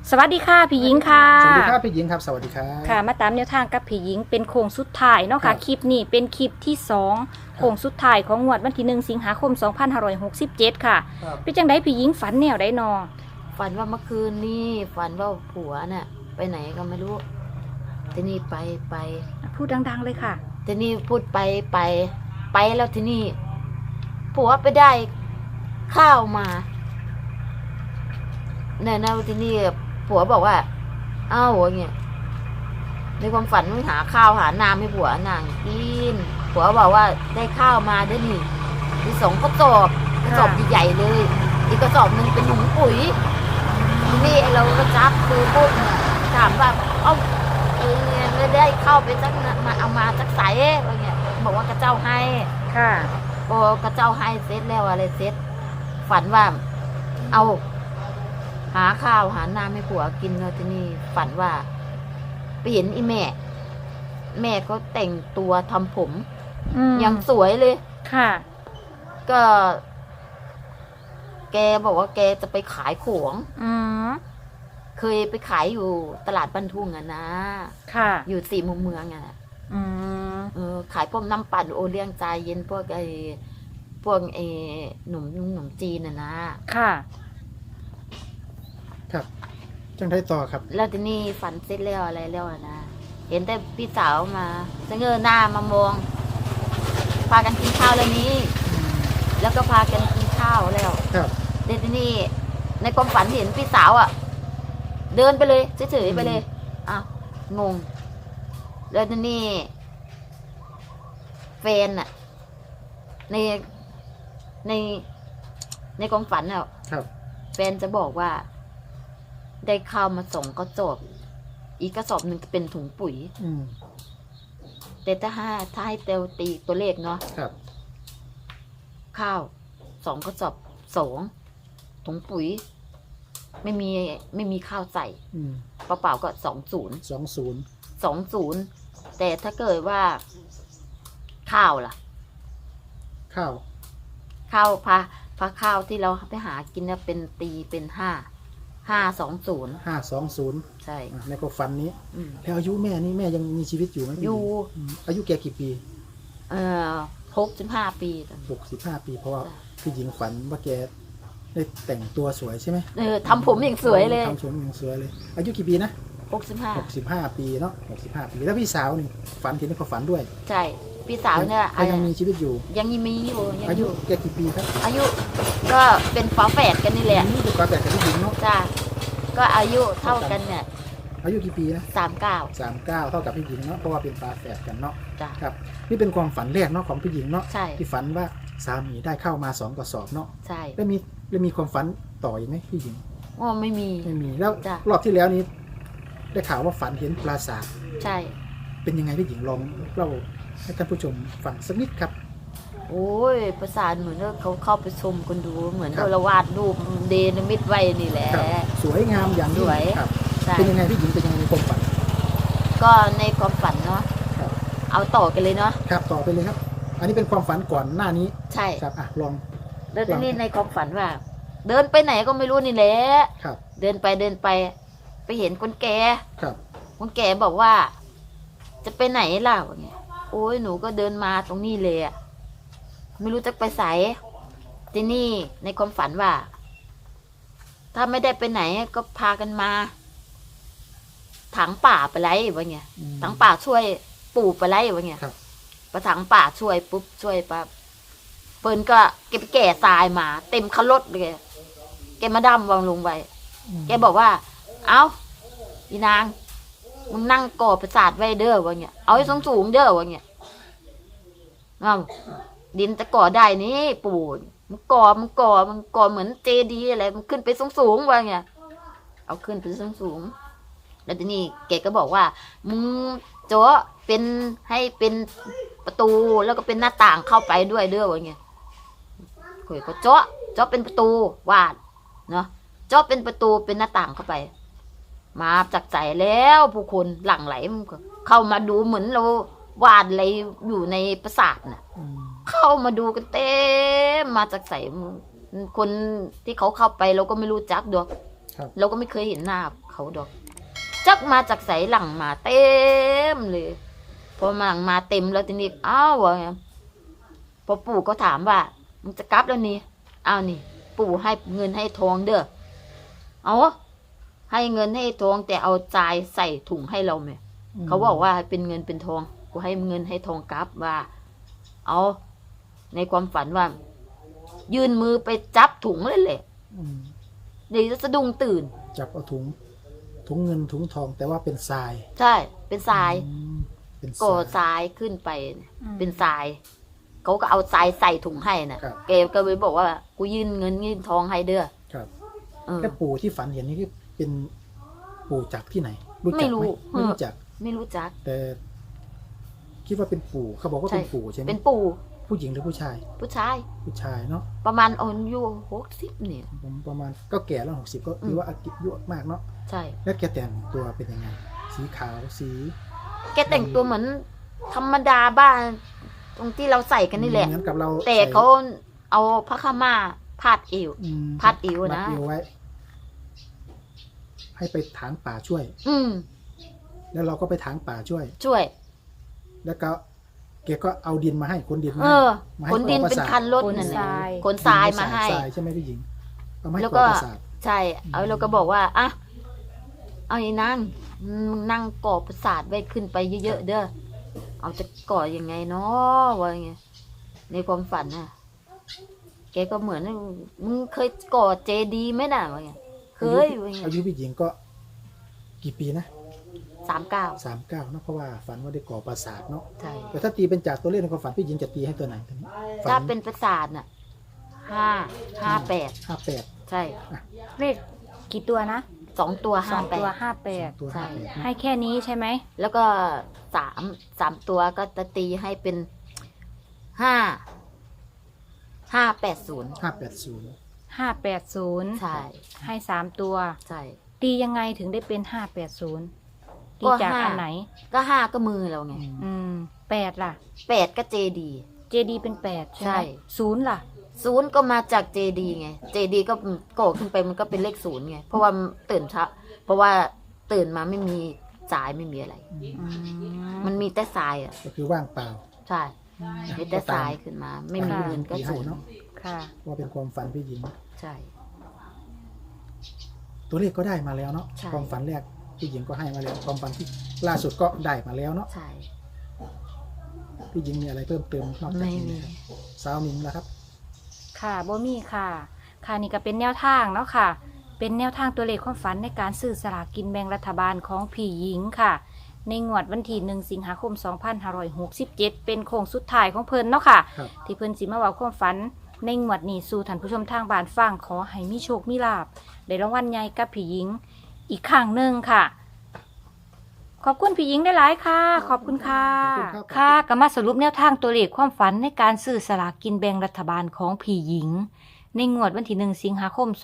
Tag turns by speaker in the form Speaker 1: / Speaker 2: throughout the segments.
Speaker 1: สวัสดีค่ะพี่หญิงค่ะ
Speaker 2: สวัสดีครับพี่หญิงครับสวัสดีครับ
Speaker 1: ค่ะมาตามแนวทางกับพี่หญิงเป็นโค้งสุดท้ายเนาะค่ะคลิปนี้เป็นคลิปที่2โค้งสุดท้ายของงวดวันที่1 สิงหาคม 2567 ค่ะเป็นจังไดพี่หญิงฝันแนวใดนอ
Speaker 3: ฝันว่าเมื่อคืนนี่ฝันว่าผัวน่ะไปไหนก็ไม่รู้ทีนี่ไป
Speaker 1: พูดดังๆเลยค่ะ
Speaker 3: ทีนี่พูดไปแล้วทีนี่ผัวไปได้ข้าวมาเนี่ยนะทีนี่ผัวบอกว่าเอ้าอย่างเงี้ยในความฝันมึงหาข้าวหาน้ำให้ผัวนางกินผัวบอกว่าได้ข้าวมาด้วยนี่มี2 กระสอบใหญ่ๆเลยอีกกระสอบนึงเป็นถุงปุ๋ยนี่เราก็จับคือพูดเนี่ยถามว่าไม่ได้เข้าไปสักมาเอามาสักใสอะไรเงี้ยบอกว่ากระเจ้าให้
Speaker 1: ค่ะ
Speaker 3: พอกระเจ้าให้เสร็จแล้วอะไรเสร็จฝันว่าเอาหาข้าวหาน้ำให้ผัวกินแล้วทีนี้ฝันว่าไปเห็นอีแม่ก็แต่งตัวทำผมยังสวยเลย
Speaker 1: ค่ะ
Speaker 3: ก็แกบอกว่าแกจะไปขายของเคยไปขายอยู่ตลาดบ้านทุ่งอะนะ
Speaker 1: ค่ะ
Speaker 3: อยู่4 มุมเมืองอะขายพวกน้ำปั่นโอเลี้ยงใจเย็นพวกหนุ่มจีนอะนะ
Speaker 1: ค่ะ
Speaker 2: ครับจังได้ต่อครับ
Speaker 3: แล้วทีนี้ฝันเสร็จแล้วอะไรแล้วอะนะเห็นแต่พี่สาวมาเงยหน้ามามองพากันกินข้าวแล้วนี้แล้วก็พากันกินข้าวแล้ว
Speaker 2: ครับ
Speaker 3: แต่ทีนี้ในความฝันเห็นพี่สาวอ่ะเดินไปเลยเฉยๆไปเลยอ้าวงงแล้วทีนี้แฟนอ่ะในความฝันอ่ะแฟนจะบอกว่าได้ข้าวมา2 กระสอบอีกกระสอบนึงเป็นถุงปุ๋ยแต่ถ้าให้เตลตีตัวเลขเนาะข้าว2 กระสอบ2 ถุงปุ๋ยไม่มีข้าวใส่เปล่าๆก็20แต่ถ้าเกิดว่าข้าวล่ะข้าวพาข้าวที่เราไปหากินเนี่ยเป็นตีเป็น520ใช่
Speaker 2: ในความฝันนี้แล้วอายุแม่นี่แม่ยังมีชีวิตอยู่ไหม
Speaker 3: อยู่
Speaker 2: อายุแกกี่ปี
Speaker 3: 65 ปี
Speaker 2: 65 ปีเพราะว่าพี่หญิงฝันว่าแกได้แต่งตัวสวยใช่ไหม
Speaker 3: ทำผมอย่างสวยเลย
Speaker 2: ทำผมอย่างสวยเลยอายุกี่ปีนะ65 ปีเนาะ65 ปีแล้วพี่สาวนี่ฝันเห็นในความฝันด้วย
Speaker 3: ใช่พี่สาวเนี่ย
Speaker 2: ยังมีชีวิตอยู่
Speaker 3: ยังมีอยู่
Speaker 2: อายุแกกี่ปีครับ
Speaker 3: อายุก็เป็นฝาแฝดกันนี่แหละ
Speaker 2: นี่เป็นฝาแฝดกับพี่หญิงเนาะ
Speaker 3: จ้าก็อายุเท่ากันเนี่ย
Speaker 2: อายุกี่ปีนะ
Speaker 3: 39
Speaker 2: เท่ากับพี่หญิงเนาะเพราะว่าเป็นฝาแฝดกันเนาะ
Speaker 3: ครับ
Speaker 2: นี่เป็นความฝันแรกเนาะของพี่หญิงเนาะ
Speaker 3: ใช่
Speaker 2: ที่ฝันว่าสามีได้เข้ามา2 กระสอบเนาะ
Speaker 3: ใช่
Speaker 2: แล้วมีความฝันต่ออีกไหมพี่หญิง
Speaker 3: ไม่มี
Speaker 2: แล้วรอบที่แล้วนี้ได้ข่าวว่าฝันเห็นปราสาท
Speaker 3: ใช่
Speaker 2: เป็นยังไงพี่หญิงลองเล่าให้ท่านผู้ชมฟังสักนิดครับ
Speaker 3: โอ้ยปราสาทเหมือนเขาเข้าไปชมกันดูเหมือนเราวาดรูปเดนมิดไว้นี่แหละ
Speaker 2: สวยงามอย่าง
Speaker 3: สวย
Speaker 2: เป็นยังไงพี่หญิงเป็นยังไงในความฝัน
Speaker 3: ก็ในความฝันเนาะเอาต่อกันเลยเนาะ
Speaker 2: ครับต่อไปเลยครับอันนี้เป็นความฝันก่อนหน้านี้
Speaker 3: ใช่
Speaker 2: ครับลอง
Speaker 3: แล้วทีนี้ในความฝันว่าเดินไปไหนก็ไม่รู้นี่แหละเดินไปไปเห็นคนแก่คนแก่บอกว่าจะไปไหนล่ะวะเนี่ยโอ้ยหนูก็เดินมาตรงนี้เลยอะไม่รู้จะไปไสทีนี่ในความฝันว่าถ้าไม่ได้ไปไหนก็พากันมาถังป่าไปไรวะเนี่ยถังป่าช่วยปู่ไปไรวะเนี่ยประถังป่าช่วยปุ๊บช่วยปั๊บเปิ้นก็เก็บแก่ทรายมาเต็มคันรถเลยแกมาดำวางลงไปแกบอกว่าเอ้าอีนางมึงนั่งก่อประสาทไว้เด้อวะเนี่ยเอาให้สูงเด้อวะเนี่ยดินจะก่อได้นี่ปู่มันก่อเหมือนเจดีย์อะไรมันขึ้นไปสูงวะเนี่ยเอาขึ้นไปสูงแล้วทีนี้แกก็บอกว่ามึงโจ้เป็นให้เป็นประตูแล้วก็เป็นหน้าต่างเข้าไปด้วยเด้อวะเนี่ยคุยก็โจ้เป็นประตูวาดเนาะโจ้เป็นประตูเป็นหน้าต่างเข้าไปมาจักใจแล้วผู้คนหลั่งไหลเข้ามาดูเหมือนเราวาดอะไรอยู่ในปราสาทน่ะเข้ามาดูกันเต็มมาจากใส่คนที่เขาเข้าไปเราก็ไม่รู้จักดอก
Speaker 2: ครับ
Speaker 3: เราก็ไม่เคยเห็นหน้าเขาดอก จักมาจากไสหลังมาเต็มเลยพอมาหลังมาเต็มแล้วทีนี้อ้าววะพอปู่ก็ถามว่ามึงจะกลับแล้วนี่อ้าวนี่ ปู่ให้เงินให้ทองเด้อเอาให้เงินให้ทองแต่เอาจ่ายใส่ถุงให้เราไหมเขาบอกว่าเป็นเงินเป็นทองกูให้เงินให้ทองกลับว่า เอาในความฝันว่า ยื่นมือไปจับถุงเลยแหละ
Speaker 2: อืม
Speaker 3: เดี๋ยวจะสะดุ้งตื่น
Speaker 2: จับเอาถุงเงินถุงทองแต่ว่าเป็นทราย
Speaker 3: ใช่เป็นทราย
Speaker 2: อืมเป็นท
Speaker 3: ก่อ
Speaker 2: ราย
Speaker 3: ทรายขึ้นไปเป็นทรายเขาก็เอาทรายใส่ถุงให้นะครับ แกก็เลยบอกว่ากูยื่นเงินยื่นทองให้เด้อ
Speaker 2: ครับ
Speaker 3: เออ
Speaker 2: แล้วปู่ที่ฝันเห็นนี่คือเป็นปู่จากที่ไหน รู้จัก
Speaker 3: ไม่
Speaker 2: ไห
Speaker 3: รู้
Speaker 2: มไม่รู้จัก
Speaker 3: ไม่รู้จัก
Speaker 2: แต่คิดว่าเป็นปู่เขาบอกว่าเป็นปู่ใช่ไหม
Speaker 3: เป็นปู่
Speaker 2: ผู้หญิงหรือผู้ชาย
Speaker 3: ผู้ชาย
Speaker 2: ผู้ชายเนาะ
Speaker 3: ประมาณอายุ60เนี่ย
Speaker 2: ผมประมาณก็แก่แล้ว60ก็ถือว่าอายุมากเนาะ
Speaker 3: ใช่
Speaker 2: แล้วแกแต่งตัวเป็นยังไง สีขาวสี
Speaker 3: แกแต่งตัวเหมือนธรรมดาบ้านตรงที่เราใส่กันนี่แหละ
Speaker 2: เหมือนกับเรา
Speaker 3: แต่เขาเอาผ้าขาวม้าพาดเอว
Speaker 2: อืม
Speaker 3: พัดอิ๋วนะ
Speaker 2: พัดอิ๋วไว้ ให้ไปถางป่าช่วย
Speaker 3: อืม
Speaker 2: แล้วเราก็ไปถางป่าช่วย
Speaker 3: ช่วย
Speaker 2: แล้วก็แกก็เอาดินมาให้ขนดินมา
Speaker 3: เอ
Speaker 2: ให้
Speaker 3: อ
Speaker 2: มาให้
Speaker 3: ขนดิน
Speaker 2: ก่อ
Speaker 3: เป็น
Speaker 2: ระสาท
Speaker 3: คันรถ
Speaker 1: ขน
Speaker 3: นั่น
Speaker 1: ท
Speaker 3: แหละ
Speaker 1: ราย
Speaker 3: ขนทรายมาให้
Speaker 2: ทรายใช่ไหมพี่หญิงเอามาให้
Speaker 3: แล้ว
Speaker 2: ก่
Speaker 3: ก็
Speaker 2: อประสาท
Speaker 3: ใช่ เอาเราก็บอกว่าอ่ะเอาไอ้นางมึงนั่งก่อประสาทไว้ขึ้นไปเยอะๆเด้อเอาจะก่อยังไงเนาะวะไงในความฝันน่ะ แกก็เหมือนมึงเคยก่อเจดีย์ไหมน่ะวะไงเคยวะไง
Speaker 2: อายุพี่หญิงก็กี่ปีนะ
Speaker 3: 39
Speaker 2: 39เนาะเพราะว่าฝันว่าได้ก่อปราสาทเนาะ
Speaker 3: ใช่
Speaker 2: แต่ถ้าตีเป็นจากตัวเลขในความฝันพี่หญิงจะตีให้ตัวไหนตัวนี้ฝั
Speaker 3: ถ้าเป็นประสาทน่ะ58
Speaker 2: 58
Speaker 3: ใช่
Speaker 1: เลขกี่ตัวนะ
Speaker 3: 2 ตัว
Speaker 1: 2 ตัว
Speaker 2: ตัว
Speaker 3: ใช่
Speaker 2: 58
Speaker 1: 58
Speaker 2: นะ
Speaker 1: ให้แค่นี้ใช่ไหม
Speaker 3: แล้วก็3ตัวก็จะตีให้เป็น580
Speaker 2: 580
Speaker 1: 580
Speaker 3: ใช่
Speaker 1: ให้3ตัว
Speaker 3: ใช่
Speaker 1: ตียังไงถึงได้เป็น 580ตีจากอันไหน
Speaker 3: ก็5ก็มือเราไง
Speaker 1: 8ล่ะ
Speaker 3: 8ก็เจดี
Speaker 1: เจดีเป็น8ใช่ไห
Speaker 3: ใช่
Speaker 1: ม0ล่ะ
Speaker 3: 0ก็มาจากเจดีไงเจดีก็ก่อขึ้นไปมันก็เป็นเลข0ไงเพราะว่าตื่นเช้าเพราะว่าตื่นมาไม่มีสายไม่มีอะไร มันมีแต่ทรายอ่ะ
Speaker 2: ก็คือว่างเปล่า
Speaker 3: ใช่มีแต่ทรายขึ้นมา ไม่มีเงินก็
Speaker 2: ตีให้
Speaker 3: 0
Speaker 2: เนาะ
Speaker 1: ค่ะ
Speaker 2: ว่าเป็นความฝันพี่หญิง
Speaker 3: ใช่
Speaker 2: ตัวเลขก็ได้มาแล้วเนาะ
Speaker 3: ใช่
Speaker 2: ความฝันแรกพี่หญิงก็ให้มาแล้วความฝันที่ล่าสุดก็ได้มาแล้วเนาะ
Speaker 3: ใช่
Speaker 2: พี่หญิงมีอะไรเพิ่มเติมนอกจาก
Speaker 3: ไม่
Speaker 2: นี้
Speaker 3: มี
Speaker 2: ไหครับสาวมิงแล้วครับ
Speaker 1: ค่ะบ่มีค่ะ ค่ะนี่ก็เป็นแนวทางเนาะค่ะ เป็นแนวทางตัวเลขความฝันในการซื้อสลากกินแบ่งรัฐบาลของพี่หญิงค่ะ ในงวดวันที่1 สิงหาคม 2567 เป็นโค้งสุดท้ายของเพิ่นเนาะค่ะ
Speaker 2: ครับ
Speaker 1: ที่เพิ่นสิมาเว้าความฝันในงวดนี้สู่ท่านผู้ชมทางบ้านฟังขอให้มีโชคมีลาภได้รางวัลใหญ่กับพี่หญิงอีกครั้งหนึ่งค่ะ ขอบคุณพี่หญิงได้หลายๆค่ะ ขอบคุณค่ะ
Speaker 2: ขอบคุณครับ
Speaker 1: ค่ะก็มาสรุปแนวทางตัวเลขความฝันในการซื้อสลากกินแบ่งรัฐบาลของพี่หญิง ในงวดวันที่1 สิงหาคม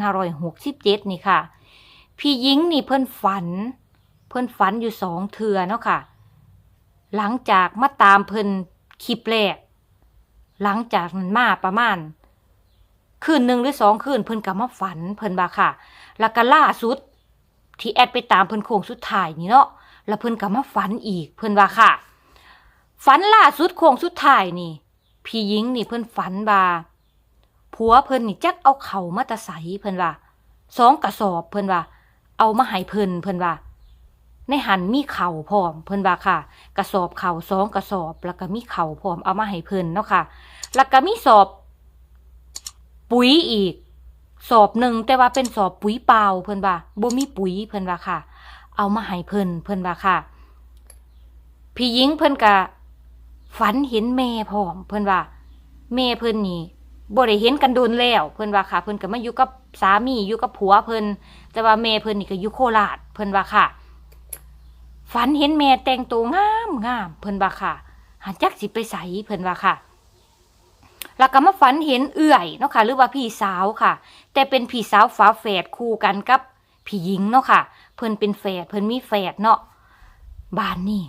Speaker 1: 2567 นี่ค่ะ พี่หญิงนี่เพิ่นฝันอยู่2 เทื่อเนาะค่ะ หลังจากมาตามเพิ่นคลิปแรก หลังจากนั้นมาประมาณคืน1 หรือ 2 คืนเพิ่นก็มาฝันเพิ่นว่าค่ะ แล้วก็ล่าสุดที่แอดไปตามเพิ่นโค้งสุดท้ายนี่เนาะ แล้วเพิ่นก็มาฝันอีกเพิ่นว่าค่ะ ฝันล่าสุดโค้งสุดท้ายนี่ พี่หญิงนี่เพิ่นฝันว่าผัวเพิ่นนี่จักเอาเข่ามาแตะไสเพิ่นว่า2 กระสอบเพิ่นว่า เอามาให้เพิ่นว่า ในหันมีเข่าพร้อมเพิ่นว่าค่ะ กระสอบเข่า2 กระสอบ แล้วก็มีเข่าพร้อมเอามาให้เพิ่นเนาะค่ะ แล้วก็มีสอบปุ๋ยอีก สอบหนึ่งแต่ว่าเป็นสอบปุ๋ยเปล่าเพิ่นว่าบ่มีปุ๋ยเพิ่นว่าค่ะ เอามาให้เพิ่นว่าค่ะ พี่หญิงเพิ่นก็ฝันเห็นแม่พร้อมเพิ่นว่าแม่เพิ่นนี่บ่ได้เห็นกันโดนแล้วเพิ่นว่าค่ะ เพิ่นก็มาอยู่กับสามีอยู่กับผัวเพิ่นแต่ว่าแม่เพิ่นนี่ก็อยู่โคราชเพิ่นว่าค่ะ ฝันเห็นแม่แต่งตัวงามเพิ่นว่าค่ะหาจักสิไปไสเพิ่นว่าค่ะ แล้วก็มาฝันเห็นเอื่อยเนาะค่ะหรือว่าพี่สาวค่ะ แต่เป็นพี่สาวฝาแฝดคู่กันกับพี่หญิงเนาะค่ะ เพิ่นเป็นแฝดเพิ่นมีแฝดเนาะบ้านนี่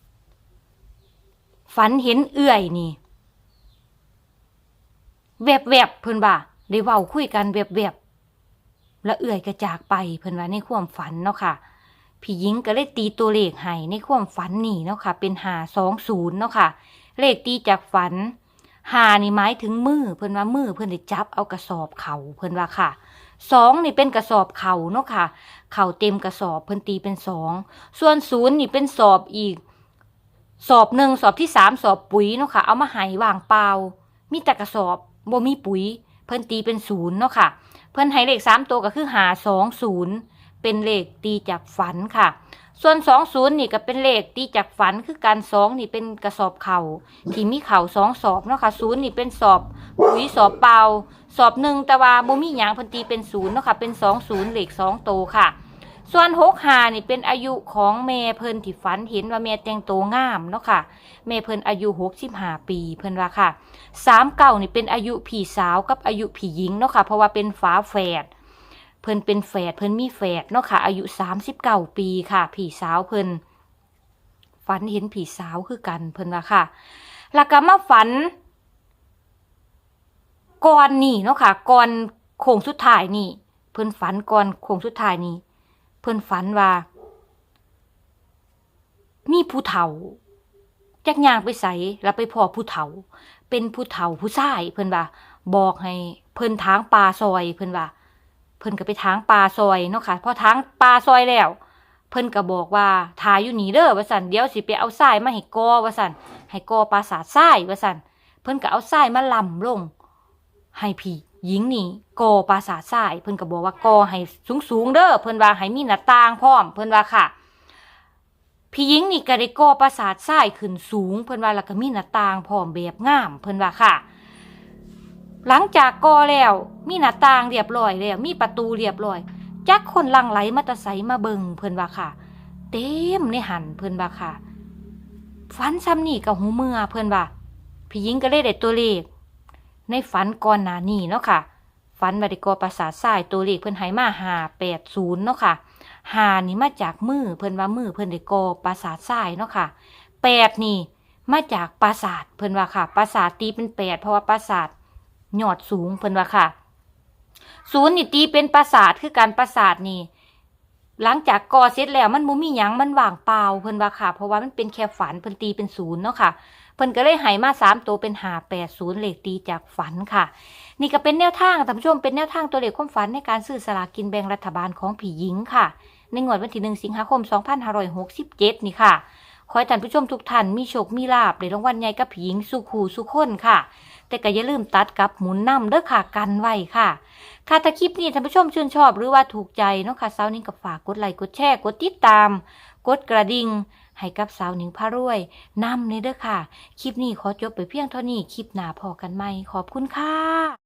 Speaker 1: ฝันเห็นเอื่อยนี่แวบๆเพิ่นว่าได้เว้าคุยกันแวบและเอื่อยกระจากไปเพิ่นว่าในความฝันเนาะค่ะพี่หญิงก็เลยตีตัวเลขให้ในความฝันนี่เนาะค่ะเป็น520เนาะค่ะเลขตีจากฝัน5นี่หมายถึงมือเพิ่นว่ามือเพิ่นได้จับเอากระสอบเข่าเพิ่นว่าค่ะ2นี่เป็นกระสอบเข่าเนาะค่ะเข่าเต็มกระสอบเพิ่นตีเป็น2ส่วน0นี่เป็นสอบอีกสอบ1สอบที่3สอบปุ๋ยเนาะค่ะเอามาให้ว่างเปล่ามีแต่กระสอบบ่มีปุ๋ยเพิ่นตีเป็น0เนาะค่ะเพิ่นให้เลข3ตัวก็คือ520เป็นเลขตีจากฝันค่ะส่วน20นี่ก็เป็นเลขตีจากฝันคือการ2นี่เป็นกระสอบเข่าที่มีเข่า2สอบเนาะค่ะ0นี่เป็นสอบปุ๋ยสอบเปล่าสอบ1แต่ว่าบ่มีหยังเพิ่นตีเป็น0เนาะค่ะเป็น20เลข2ตัวค่ะส่วน65นี่เป็นอายุของแม่เพิ่นที่ฝันเห็นว่าแม่แต่งตัวงามเนาะค่ะแม่เพิ่นอายุ65ปีเพิ่นว่าค่ะ39นี่เป็นอายุพี่สาวกับอายุพี่หญิงเนาะค่ะเพราะว่าเป็นฝาแฝดเพิ่นเป็นแฝดเพิ่นมีแฝดเนาะค่ะอายุ39ปีค่ะพี่สาวเพิ่นฝันเห็นพี่สาวคือกันเพิ่นว่าค่ะแล้วก็มาฝันก่อนนี่เนาะค่ะก่อนโค้งสุดท้ายนี่เพิ่นฝันก่อนโค้งสุดท้ายนี่เพิ่นฝันว่ามีผู้เฒ่าจักย่างไปไสแล้วไปพ้อผู้เฒ่าเป็นผู้เฒ่าผู้ชายเพิ่นว่าบอกให้เพิ่นทางป่าซอยเพิ่นว่าเพิ่นก็ไปทางป่าซอยเนาะค่ะพอทางป่าซอยแล้วเพิ่นก็บอกว่าถ่ายอยู่นี่เด้อว่าซั่นเดี๋ยวสิไปเอาทรายมาให้กอว่าซั่นให้กอปราสาททรายว่าซั่นเพิ่นก็เอาทรายมาลำลงให้พี่หญิงนี่กอปราสาททรายเพิ่นก็บอกว่ากอให้สูงๆเด้อเพิ่นว่าให้มีหน้าต่างพร้อมเพิ่นว่าค่ะพี่หญิงนี่ก็ได้ก่อปราสาททรายขึ้นสูงเพิ่นว่าแล้วก็มีหน้าต่างพร้อมแบบงามเพิ่นว่าค่ะหลังจากก่อแล้วมีหน้าต่างเรียบร้อยแล้วมีประตูเรียบร้อยจักคนหลั่งไหลมาแตะไสมาเบิ่งเพิ่นว่าค่ะเต็มในหันเพิ่นว่าค่ะฝันซ้ำนี่ก็หูเมื่อเพิ่นว่าพี่หญิงก็เลยได้ตัวเลขในฝันก่อนหน้านี้เนาะค่ะฝันว่าได้ก่อปราสาททรายตัวเลขเพิ่นให้มา580เนาะค่ะ5นี่มาจากมือเพิ่นว่ามือเพิ่นได้ก่อปราสาททรายเนาะค่ะ8นี่มาจากปราสาทเพิ่นว่าค่ะปราสาทตีเป็น8เพราะว่าปราสาทยอดสูงเพิ่นว่าค่ะ0นี่ตีเป็นปราสาทคือการปราสาทนี่หลังจากก่อเสร็จแล้วมันบ่มีหยังมันว่างเปล่าเพิ่นว่าค่ะเพราะว่ามันเป็นแค่ฝันเพิ่นตีเป็น0เนาะค่ะเพิ่นก็เลยให้มา3ตัวเป็น580เลขตีจากฝันค่ะนี่ก็เป็นแนวทางท่านผู้ชมเป็นแนวทางตัวเลขความฝันในการซื้อสลากกินแบ่งรัฐบาลของพี่หญิงค่ะในงวดวันที่1สิงหาคม2567นี่ค่ะขอให้ท่านผู้ชมทุกท่านมีโชคมีลาภได้รางวัลใหญ่กับพี่หญิงสู่คู่สู่คนค่ะแต่ก็อย่าลืมตัดกับหมุนนำเด้อค่ะกันไว้ค่ะค่ะถ้าคลิปนี้ท่านผู้ชมชื่นชอบหรือว่าถูกใจเนาะค่ะสาวนิ้งก็ฝากกดไลค์กดแชร์กดติดตามกดกระดิ่งให้กับสาวนิ้งพารวยนำเด้อค่ะคลิปนี้ขอจบไปเพียงเท่านี้คลิปหน้าพอกันใหม่ขอบคุณค่ะ